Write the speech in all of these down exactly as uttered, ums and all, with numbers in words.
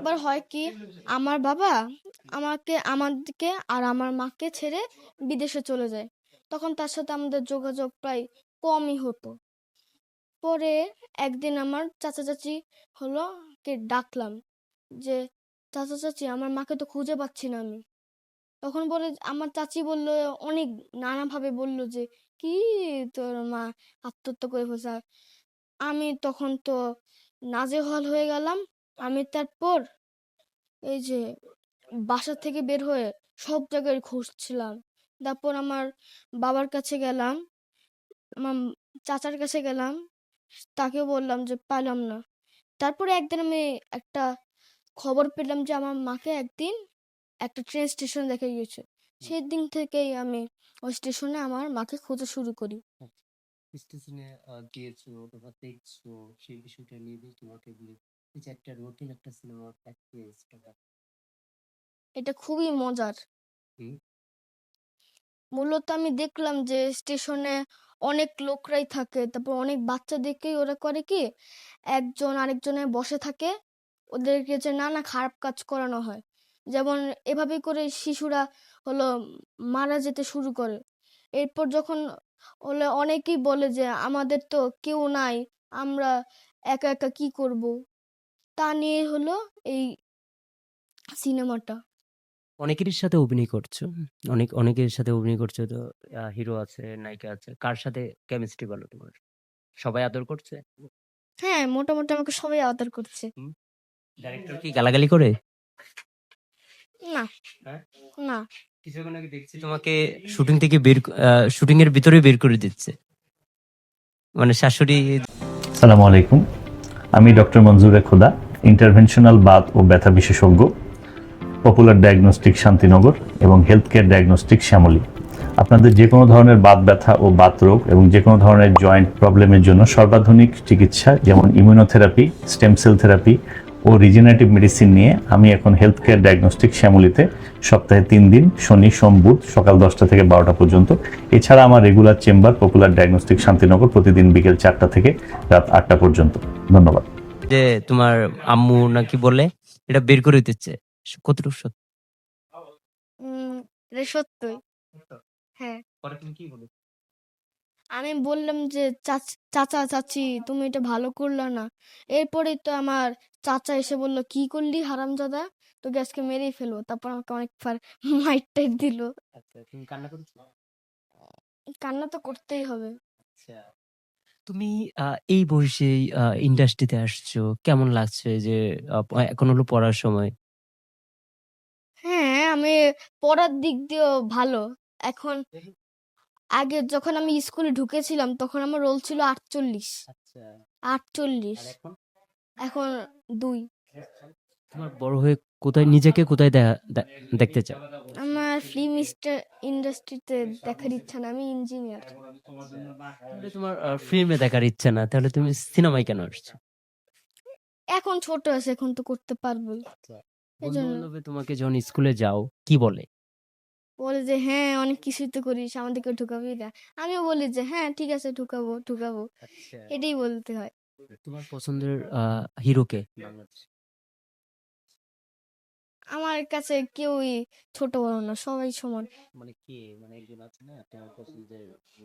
একবার হয় কি, আমার বাবা আমাকে আমাদেরকে আর আমার মাকে ছেড়ে বিদেশে চলে যায়। তখন তার সাথে আমাদের যোগাযোগ প্রায় কমই হতো। পরে একদিন আমার চাচা চাচি হলো কে ডাকলাম যে, চাচা চাচি আমার মাকে তো খুঁজে পাচ্ছি না আমি। তখন বলে, আমার চাচি বলল, অনেক নানাভাবে বলল যে, কি তোর মা আত্মহত্যা করে ফেলছে। আমি তখন তো নাজেহাল হয়ে গেলাম। আমি তারপর এই যে বাসা থেকে বের হয়ে সব জায়গায় খুঁজছিলাম। তারপর আমার বাবার কাছে গেলাম, আমার চাচার কাছে গেলাম, তাকেও বললাম যে পাইলাম না। তারপরে একদিন আমি একটা খবর পেলাম যে আমার মাকে একদিন একটা ট্রেন স্টেশনে দেখা গিয়েছে। সেই দিন থেকেই আমি ওই স্টেশনে আমার মাকে খোঁজা শুরু করি। স্টেশনে আহ, গিয়েছো অথবা দেখছো সেই বিষয়টা নিয়ে যদি তোমাকে বলি, এই যে একটা রুটিন একটা সিনেমার প্র্যাকটিস এটা খুবই মজার। হুম মূলত আমি দেখলাম যে স্টেশনে অনেক লোকরাই থাকে, তারপর অনেক বাচ্চাদেরকেই ওরা করে কি, একজন আরেকজনের বসে থাকে, ওদেরকে যে নানা খারাপ কাজ করানো হয়। যেমন এভাবে করে শিশুরা হলো মারা যেতে শুরু করে। এরপর যখন হলো অনেকেই বলে যে আমাদের তো কেউ নাই, আমরা একা একা কি করব, তা নিয়ে হলো এই সিনেমাটা। অনেকেরই সাথে অভিনয় করছো, অনেক অনেকের সাথে অভিনয় করছো তো, হিরো আছে, নায়িকা আছে, কার সাথে কেমিস্ট্রি ভালো তোমার? সবাই আদর করছে? হ্যাঁ, মোটামুটি আমাকে সবাই আদর করছে। ডাইরেক্টর কি গালাগালি করে? না, হ্যাঁ, না। কিছুক্ষণ আগে দেখছি তোমাকে শুটিং থেকে বের, শুটিং এর ভিতরে বের করে দিচ্ছে, মানে শাশুড়ি। সালামু আলাইকুম, আমি ডক্টর মঞ্জুরে খোদা, ইন্টারভেনশনাল বাত ও ব্যথা বিশেষজ্ঞ, পপুলার ডায়াগনস্টিক শান্তিনগর এবং হেলথ কেয়ার ডায়াগনস্টিক শ্যামলী। আপনাদের যে কোনো ধরনের বাত ব্যথা ও বাত রোগ এবং যে কোনো ধরনের জয়েন্ট প্রবলেমের জন্য সর্বাধুনিক চিকিৎসা যেমন ইমিউনোথেরাপি, স্টেম সেল থেরাপি ও রিজেনারেটিভ মেডিসিন নিয়ে আমি এখন হেলথ কেয়ার ডায়াগনস্টিক শ্যামলীতে সপ্তাহে তিন দিন শনি সোম বুধ সকাল দশটা থেকে বারোটা পর্যন্ত। এছাড়া আমার regular chamber popular diagnostic Shantinagar প্রতিদিন বিকেল চারটা থেকে রাত আটটা পর্যন্ত। ধন্যবাদ। যে তোমার আম্মু নাকি বলে এটা বের করে দিচ্ছে, কতটুকু সত্যি? উম এটা সত্যই। হ্যাঁ, পরে তুমি কি বলে? আমি বললাম যে, চাচ- চাচা চাচি তুমি এটা ভালো করলা না। এরপরেই তো আমার চাচা এসে বলল, কি করলি হারামজাদা, তোকে আজকে মেরেই ফেলবো। তারপর আমাকে অনেক মাইর টাইর দিল। আচ্ছা, তুমি কান্না করেছো? কান্না তো করতেই হবে। আচ্ছা, তুমি আহ, এই বয়সে ইন্ডাস্ট্রিতে আসছো, কেমন লাগছে যে আহ, প- এখন হলো পড়ার সময়? হ্যাঁ, আমি পড়ার দিক দিয়েও ভালো। এখন আগে যখন আমি স্কুলে ঢুকেছিলাম তখন আমার রোল ছিল আটচল্লিশ। আচ্ছা, আটচল্লিশ। আর এখন? এখন দুই। তোমার বড় হয়ে কোথায় নিজেকে কোথায় দেখা- দে- দেখতে চাও? আমার ফিল্ম ইন্ডাস্ট্রিতে দেখার ইচ্ছা না, আমি ইঞ্জিনিয়ার। তাহলে তোমার ফিল্মে দেখার ইচ্ছা না, তাহলে তুমি সিনেমায় কেন আসছো? এখন ছোট আছে, এখন তো করতে পারবোই। এই বন্ধু জন্য বান্ধবে তোমাকে যখন স্কুলে যাও কি বলে? বলে যে, হ্যাঁ অনেক কিছুই তো করিস, আমাদেরকে ঢুকাবি না। আমিও বলি যে, হ্যাঁ ঠিক আছে, ঢুকাবো ঢুকাবো। আচ্ছা, এটাই বলতে হয়। তোমার পছন্দের হিরোকে বাংলাদেশ? আমার কাছে কেউই ছোট বড় না, সবাই সমান। মানে কে, মানে একজন আছে না তোমার পছন্দের?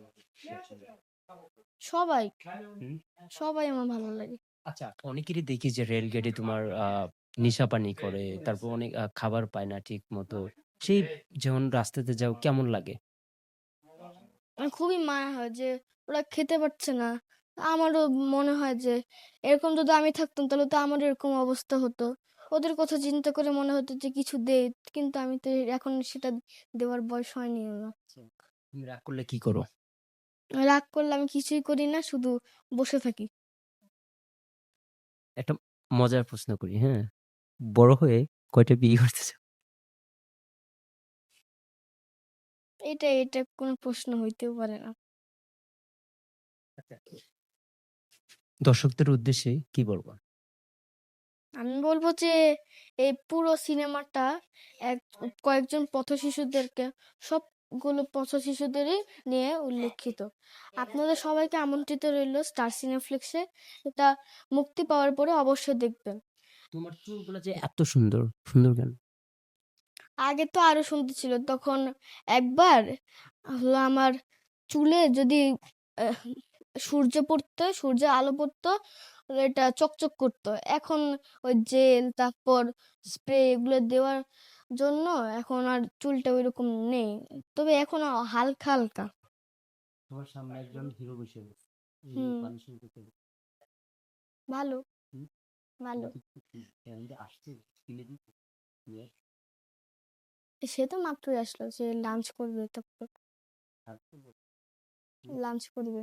সবাই, হুম? সবাই আমার ভালো লাগে। আচ্ছা, অনেকেরই দেখি যে রেলগেটে তোমার আহ নেশা পানি করে, তারপর অনেক আহ, খাবার পায় না ঠিক মতো, সেই যখন রাস্তাতে যাও কেমন লাগে? আমার খুবই মায়া হয় যে ওরা খেতে পারছে না। আমারও মনে হয় যে এরকম যদি আমি থাকতাম তাহলে তো আমার এরকম অবস্থা হতো। ওদের কথা চিন্তা করে মনে হতো যে কিছু দে, কিন্তু আমি তো এখন সেটা দেওয়ার বয়স হয়নি আমার। তুমি রাগ করলে কি করো? রাগ করলে আমি কিছুই করি না, শুধু বসে থাকি। একটা মজার প্রশ্ন করি, হ্যাঁ, বড় হয়ে কয়টা বিয়ে করতে চাও? এটা এটা কোনো প্রশ্ন হইতেও পারে না। দর্শকদের উদ্দেশ্যে কি বলবো? আমি বলবো যে এই পুরো সিনেমাটা এক কয়েকজন পথশিশুদেরকে, সবগুলো পথশিশুদেরই নিয়ে উল্লেখিত। আপনাদের সবাইকে আমন্ত্রিত রইল স্টার সিনেপ্লেক্সে। এটা মুক্তি পাওয়ার পরে অবশ্যই দেখবেন। তোমার চুলগুলো যে এত সুন্দর সুন্দর কেন? আগে তো আরো সুন্দর ছিল, তখন একবার হলো আমার চুলে যদি আহ, সূর্য পড়তো, সূর্যের আলো পড়তো, হলো এটা চকচক করতো। এখন ওই জেল তারপর স্প্রে এগুলো দেওয়ার জন্য এখন আর চুলটা ওইরকম নেই, তবে এখন হালকা হালকা। তোমার সামনে একজন হিরো বসে আছে, এই হুম। মানুষের দিকে ভালো হুম? ভালো। নাকি আসছে কিনে দিতে? ইয়ে, সে তো মাত্রই আসলো, সে লাঞ্চ করবে, তারপর আসছে বল। লাঞ্চ করবে।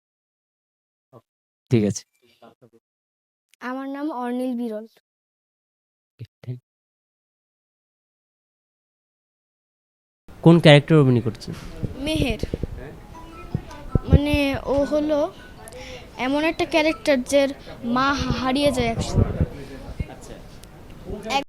ঠিক আছে। আমার নাম অর্নিল বিরল। কোন ক্যারেক্টার অভিনয় করছে? মেহের, মানে ও হলো এমন একটা ক্যারেক্টার যার মা হারিয়ে যায় একসময়।